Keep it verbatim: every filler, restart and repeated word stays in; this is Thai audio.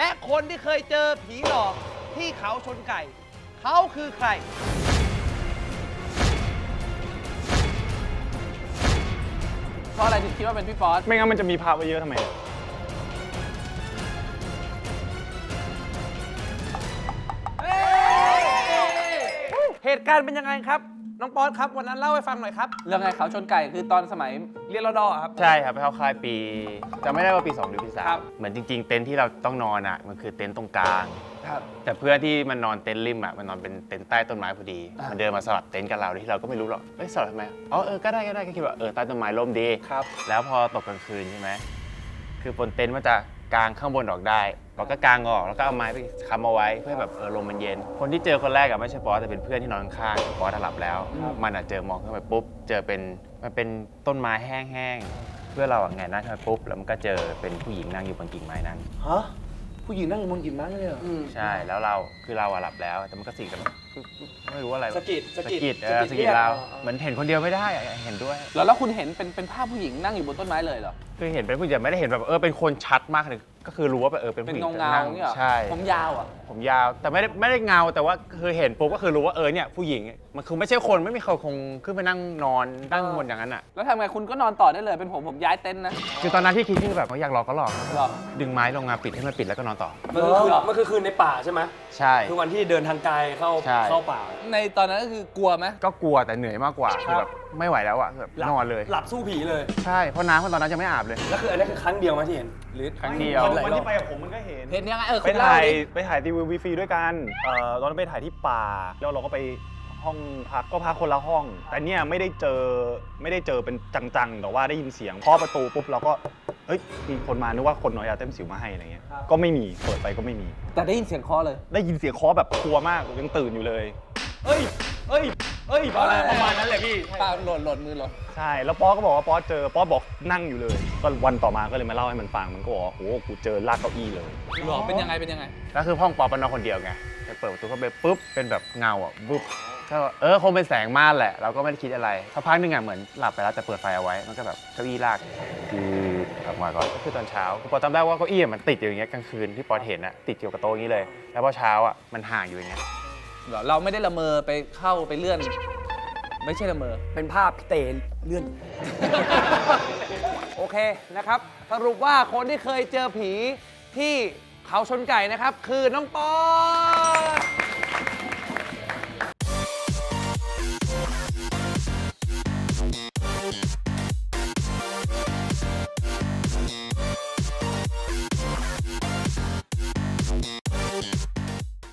และคนที่เคยเจอผีหลอกที่เขาชนไก่เขาคือใครเพราะอะไรถึงคิดว่าเป็นพี่ป๊อตไม่งั้นมันจะมีภาพไว้เยอะทำไมเหตุการณ์เป็นยังไงครับน้องป๊อตครับวันนั้นเล่าให้ฟังหน่อยครับเรื่องไงเขาชนไก่คือตอนสมัยเรียนรอดอครับใช่ครับไปเข้าค่ายปีจำไม่ได้ว่าปีสองหรือปีสาครัมบเหมือนจริง ๆ เต็นท์ที่เราต้องนอนอ่ะมันคือเต็นท์ตรงกลางครับแต่เพื่อนที่มันนอนเต็นท์ริมอ่ะมันนอนเป็นเต็นท์ใต้ต้นไม้พอดีอ่ะมันเดินมาสลับเต็นท์กับเราที่เราก็ไม่รู้หรอกเอ้ยสลับทำไมอ๋อเออก็ได้ก็ได้ก็คิดว่าเออใต้ต้นไม้ร่มดีครับแล้วพอตกกลางคืนใช่ไหมคือบนเต็นท์มันจะกางข้างบนออกได้เราก็กางออกแล้วก็เอาไม้ไปค้ำเอาไว้เพื่อแบบเออลมมันเย็น คนที่เจอคนแรกอะไม่ใช่ป๊อสแต่เป็นเพื่อนที่นอนข้างๆป๊อสหลับแล้ว มันอะเจอมองขึ้นไปปุ๊บเจอเป็นมันเป็นต้นไม้แห้งๆเพื่อเราอะไงหน้าขึ้นไปปุ๊บแล้วมันก็เจอเป็นผู้หญิงนั่งอยู่บนกิ่งไม้นั้นฮะผู้หญิงนั่งอยู่บนกิ่งไม้เลยเหรอใช่แล้วเราคือเราอะหลับแล้วแต่มันก็สิ่งแต่แบบไม่รู้อะไรสะกิดสะกิดเออสะกิดเราเหมือนเห็นคนเดียวไม่ได้อะเห็นด้วยแล้วแล้วคุณเห็นเป็นเป็นภาพผู้หญิงนั่งอยู่บนต้นไม้เลยเหรอคือเห็นเป็นผู้หญิงไม่ได้เห็นแบบเออเป็นคนชัดมากเลยก็คือรู้ว่าเออเป็นเป็นผู้หญิงเงาเงานั่งเนี่ยเหรอใช่ผมยาวอ่ะผมยาวแต่ไม่ได้ไม่ได้เงาแต่ว่าคือเห็นปุ๊บก็คือรู้ว่าเออเนี่ยผู้หญิงมันคือไม่ใช่คนไม่มีใครคงขึ้นไปนั่งนอนนั่งบนอย่างนั้นอ่ะแล้วทำไงคุณก็นอนต่อได้เลยเป็นผมผมย้ายเต็นท์นะคือตอนนั้นที่คิดคือแบบว่าอยากหลอกก็หลอกหรอดึงไม้ลงมาปิดให้มันปิดแล้วก็นอนต่อมันคือคืนมันคือคืนในป่าใช่ไหมใช่คือวันที่เดินทางไกลเข้าใช่เข้าป่าในตอนนั้นก็คือกลัวไหมก็กลัวแต่เหนื่อยมากกว่าคือแบบไม่ไหวแล้วอ่ะคือแบบหลับนอนเลยหลับสู้ผีเลยใช่เพราะน้ำตอนนั้นยังไม่อาบเลยแล้วคืออันนี้คือครั้งเดียวไหมที่เห็น หรือครั้งเดียวหลาวันรอบที่ไปกับผมมันก็เห็นเห็นยังไงเออไปคุณเล่าถ่ายดิไปถ่ายทีวีฟรีด้วยกันเอ่อตอนนั้นไปถ่ายที่ป่า แล้วเราก็ไปห้องพักก็พักคนละห้อง แต่เนี่ยไม่ได้เจอไม่ได้เจอเป็นจังๆแต่ว่าได้ยินเสียงเคาะประตูปุ๊บเราก็เฮ้ยมีคนมานึกว่าคนน้อยยาเต้มสิวมาให้อะไรเงี้ยก็ไม่มีเปิดไปก็ไม่มีแต่ได้ยินเสียงเคอเลยได้ยินเสียงเคาะแบบกลัวมากยังตื่นอยู่เลยเอ้ยเอ้ยเอ้ยประมาณประมาณนั้นแหละพี่ปาหล่นหล่นมือหล่นใช่แล้วป๊อก็บอกว่าป๊อเจอป๊อบอกนั่งอยู่เลยก็วันต่อมาก็เลยมาเล่าให้มันฟังมันก็บอกว่าโอ้โหกูเจอลากเก้าอี้เลยหรอเป็นยังไงเป็นยังไงแล้วคือห้องปอปนอนคนเดียวไงไปเปิดประตูเข้าไปปุ๊บเป็นแบบเงาอ่ะปุ๊บก็เออคงเป็นแสงม่านแหละเราก็ไม่ได้คิดอะไรสักพักหนึงอ่ะเหมือนหลับไปแล้วแต่เปิดไฟเอาไว้มันก็แบบเก้าอี้ลากคือออกมาก่อนก็คือตอนเช้าปอจำได้ว่าเก้าอี้มันติดอยู่อย่างเงี้ยกลางคืนที่ปอเห็นอ่ะติดอยู่กับโต๊ะอย่างนี้เลย แล้วพอเช้าอ่ะมันห่างอยู่อย่างเงี้ยเหรอเราไม่ได้ละเมอไปเข้าไปเลื่อน ไม่ใช่ละเมอเป็นภาพพี่เตเลื่อนโอเคนะครับสรุปว่าคนที่เคยเจอผีที่เขาชนไก่นะครับคือน้องป๊อต